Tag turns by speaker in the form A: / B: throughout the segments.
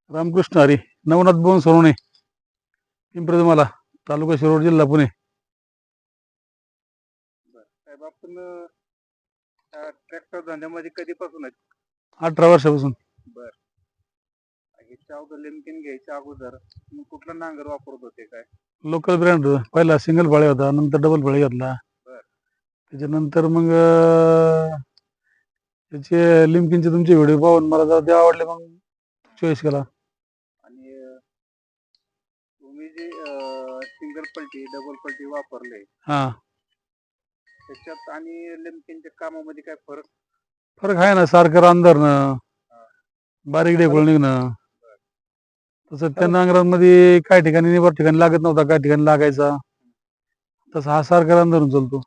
A: रामकृष्ण हरी. नवनाथ बोन सोनवणे, पिंपरी तालुका शिरोड, जिल्हा पुणे.
B: साहेब आपण ट्रॅक्टर धंद्यामध्ये कधीपासून आहेत?
A: 18 वर्षापासून.
B: बर. ह्याच्या अगोदर लिमकिन घ्यायच्या अगोदर तुम्ही कुठला नांगर वापरत होते काय?
A: लोकल ब्रँड पहिला सिंगल फळे होता, नंतर डबल फळे घेतला.
B: बर.
A: त्याच्यानंतर मग त्याचे लिमकिनचे तुमचे व्हिडिओ पाहून मला जरा ते आवडले, मग चॉईस केला.
B: आणि तुम्ही जे सिंगल पलटी डबल पलटी वापरले
A: हा,
B: त्याच्यात आणि लिमकिनच्या कामामध्ये काय फरक?
A: फरक आहे ना, सारखं रान धरणं, बारीक ढेकूळ निघणं. तसं त्या नांगरांमध्ये काही ठिकाणी निबर ठिकाणी लागत नव्हता, काही ठिकाणी लागायचा. तसं हा सारखा रान धरून चालतो.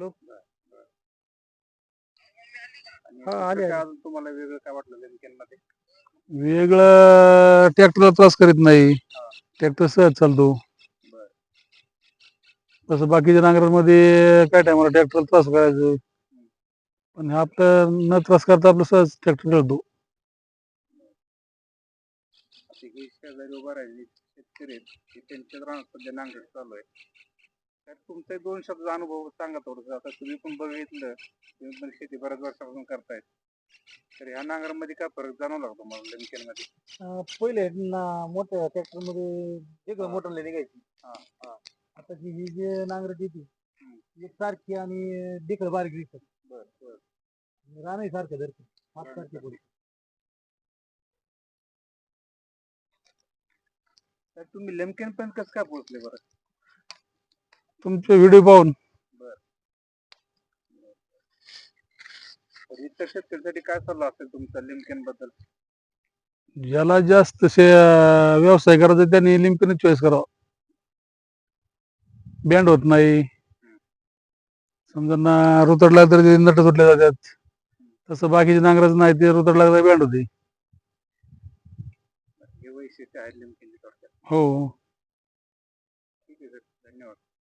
B: आणि अजून तुम्हाला वेगळं काय वाटलं लिमकिन मध्ये?
A: वेगळं ट्रॅक्टरला त्रास करीत नाही, ट्रॅक्टर सहज चालतो. तसं बाकीच्या नांगरांमध्ये काय टायमाला ट्रॅक्टरला त्रास करायचं, पण हा आपलं न त्रास करता आपलं सहज ट्रॅक्टर चालतो.
B: शेजारी उभा राहिले शेतकरी आहेत, त्यांच्या रानात सध्या नांगर चालू आहे. तर तुमचे 2 शब्द अनुभव सांगा थोडंसं. आता तुम्ही पण बघितलं, तुम्ही पण शेती बऱ्याच वर्षापासून करतायत, तर ह्या नांगरामध्ये काय फरक जाणवला का तुम्हाला लिमकिन मध्ये?
C: पहिले मोठ्या ट्रॅक्टर मध्ये वेगळं मोटर निघायची. आता ही जे नांगर देते एक सारखी आणि देखळ बारीक दिसत.
B: बर बर.
C: रानही सारखं धरते, हात सारखे पुढे.
B: तर तुम्ही लिमकिन पण कसं काय पोहोचले बरं?
A: तुमचे व्हिडिओ पाहून.
B: बर. तर इतर शेतकऱ्यांसाठी काय सल्ला असेल तुमचा लिमकिन बद्दल?
A: ज्याला जास्त व्यवसाय करायचा त्यांनी लिमकिन चॉईस करावा. बँड होत नाही, समजा ना रुतडला तर ते नट सुटले जातात. तसं बाकीच्या नांगराचं नाही, ते रुतड लागला बँड होते.
B: हे वैशिष्ट्य आहे लिमकिन थोडक्यात.
A: हो.
B: ठीक आहे सर, धन्यवाद.